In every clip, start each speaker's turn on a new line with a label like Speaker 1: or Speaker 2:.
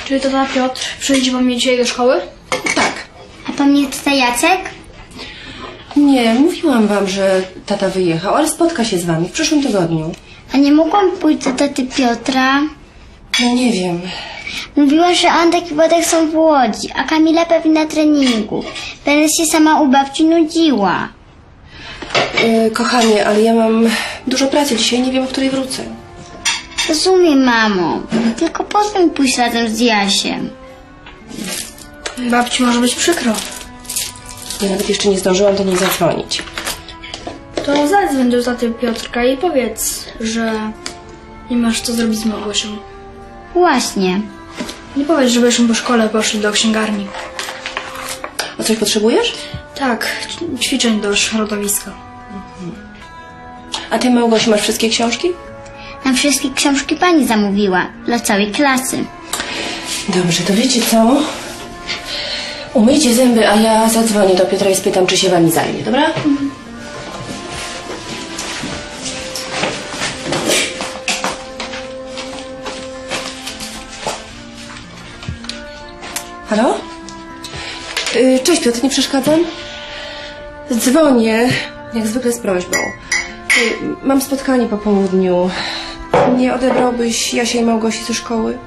Speaker 1: Czyli tata Piotr przyjdzie po mnie dzisiaj do szkoły?
Speaker 2: Tak.
Speaker 3: A po mnie tata Jacek?
Speaker 2: Nie, mówiłam wam, że tata wyjechał, ale spotka się z wami w przyszłym tygodniu.
Speaker 3: A nie mogłam pójść do taty Piotra?
Speaker 2: No nie wiem.
Speaker 3: Mówiła, że Antek i Władek są w Łodzi, a Kamila pewnie na treningu. Będę się sama u babci nudziła.
Speaker 2: Kochanie, ale ja mam dużo pracy dzisiaj, nie wiem, o której wrócę.
Speaker 3: Rozumiem, mamo. Tylko pozwól mi pójść razem z Jasiem.
Speaker 1: Babci może być przykro.
Speaker 2: Ja nawet jeszcze nie zdążyłam do niej zadzwonić.
Speaker 1: To zadzwoń do taty Piotrka i powiedz, że nie masz co zrobić z Małgosią.
Speaker 3: Właśnie.
Speaker 1: Nie powiedz, żebyśmy po szkole poszli do księgarni.
Speaker 2: A coś potrzebujesz?
Speaker 1: Tak, ćwiczeń do środowiska.
Speaker 2: A ty, Małgosiu, masz wszystkie książki?
Speaker 3: Na wszystkie książki pani zamówiła. Dla całej klasy.
Speaker 2: Dobrze, to wiecie co? Umyjcie zęby, a ja zadzwonię do Piotra i spytam, czy się wami zajmie, dobra? Halo? Cześć Piotr, nie przeszkadzam? Dzwonię, jak zwykle z prośbą. Mam spotkanie po południu. Nie odebrałbyś Jasia i Małgosi ze szkoły?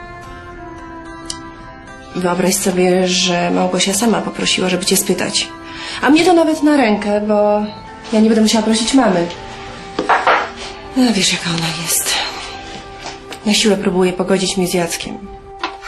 Speaker 2: Wyobraź sobie, że Małgosia sama poprosiła, żeby cię spytać. A mnie to nawet na rękę, bo ja nie będę musiała prosić mamy. No, wiesz, jaka ona jest. Na siłę próbuje pogodzić mnie z Jackiem.